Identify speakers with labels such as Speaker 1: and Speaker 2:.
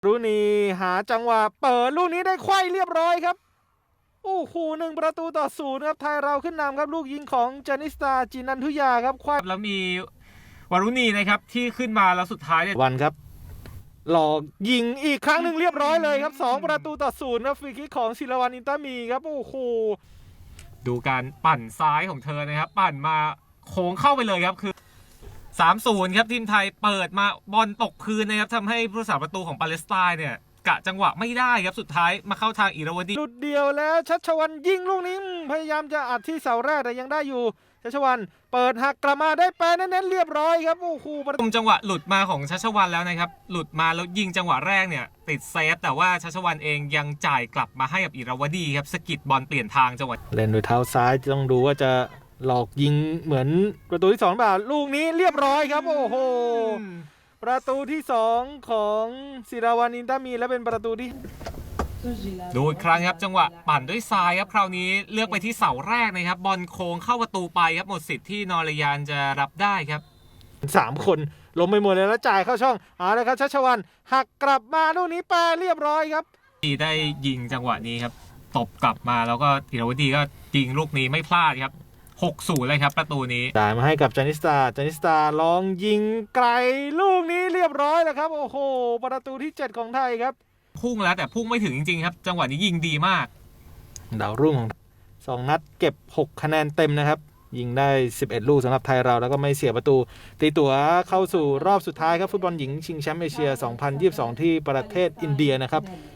Speaker 1: รุณีหาจังหวะเปิดลูกนี้ได้ไขว้เรียบร้อยครับโอ้โห1-0ครับไทยเราขึ้นนำครับลูกยิงของจานิสตาจินันทุยาครับไขว้
Speaker 2: แล้วมีวารุณีนะครับที่ขึ้นมาแล้วสุดท้ายเนี่ย
Speaker 1: วันครับหลอกยิงอีกครั้งหนึ่งเรียบร้อยเลยครับ2-0ครับฟรีคิกของศิลวันอินตามีครับโอ้โห
Speaker 2: ดูการปั่นซ้ายของเธอนะครับปั่นมาโค้งเข้าไปเลยครับคือ3-0ครับทีมไทยเปิดมาบอลตกพื้นนะครับทำให้ผู้รักษาประตูของปาเลสไตน์เนี่ยกะจังหวะไม่ได้ครับสุดท้ายมาเข้าทางอิราวดี
Speaker 1: หลุดเดียวแล้วชัชวันยิงลูกนี้พยายามจะอัดที่เสาแรกแต่ยังได้อยู่ชัชวันเปิดหักกลับมาได้แปรเน้นๆเรียบร้อยครับโอ้โห
Speaker 2: จังหวะหลุดมาของชัชวันแล้วนะครับหลุดมาแล้วยิงจังหวะแรกเนี่ยติดเซฟแต่ว่าชัชวันเองยังจ่ายกลับมาให้กับอิราวดีครับสกิดบอลเปลี่ยนทางจังหวะ
Speaker 1: เล่นด้วยเท้าซ้ายต้องดูว่าจะหลอกยิงเหมือนประตูที่2เปล่าลูกนี้เรียบร้อยครับโอ้โหประตูที่2ของศิราวันอินตามีและเป็นประตูที่
Speaker 2: ดูอีกครั้งครับจังหวะปั่นด้วยซ้ายครับคราวนี้เลือกไปที่เสาแรกนะครับบอลโค้งเข้าประตูไปครับหมดสิทธิ์ที่นอรยานจะรับได้ครับ
Speaker 1: 3คนล้มไปหมดเลยแล้วจ่ายเข้าช่องเอาเลยครับชัชวันหักกลับมาลูกนี้แปรเรียบร้อยครับ
Speaker 2: ที่ได้ยิงจังหวะนี้ครับตบกลับมาแล้วก็อิราวดีก็ยิงลูกนี้ไม่พลาดครับ6-0เลยครับประตูนี้
Speaker 1: จ่ายมาให้กับจานิสตาลองยิงไกลลูกนี้เรียบร้อยแล้วครับโอ้โหประตูที่7ของไทยครับ
Speaker 2: พุ่งแล้วแต่พุ่งไม่ถึงจริงๆครับจังหวะนี้ยิงดีมาก
Speaker 1: ดาวรุ่งของ2นัดเก็บ6คะแนนเต็มนะครับยิงได้11ลูกสำหรับไทยเราแล้วก็ไม่เสียประตูตีตั๋วเข้าสู่รอบสุดท้ายครับฟุตบอลหญิงชิงแชมป์เอเชีย 2022 ที่ประเทศอินเดียนะครับ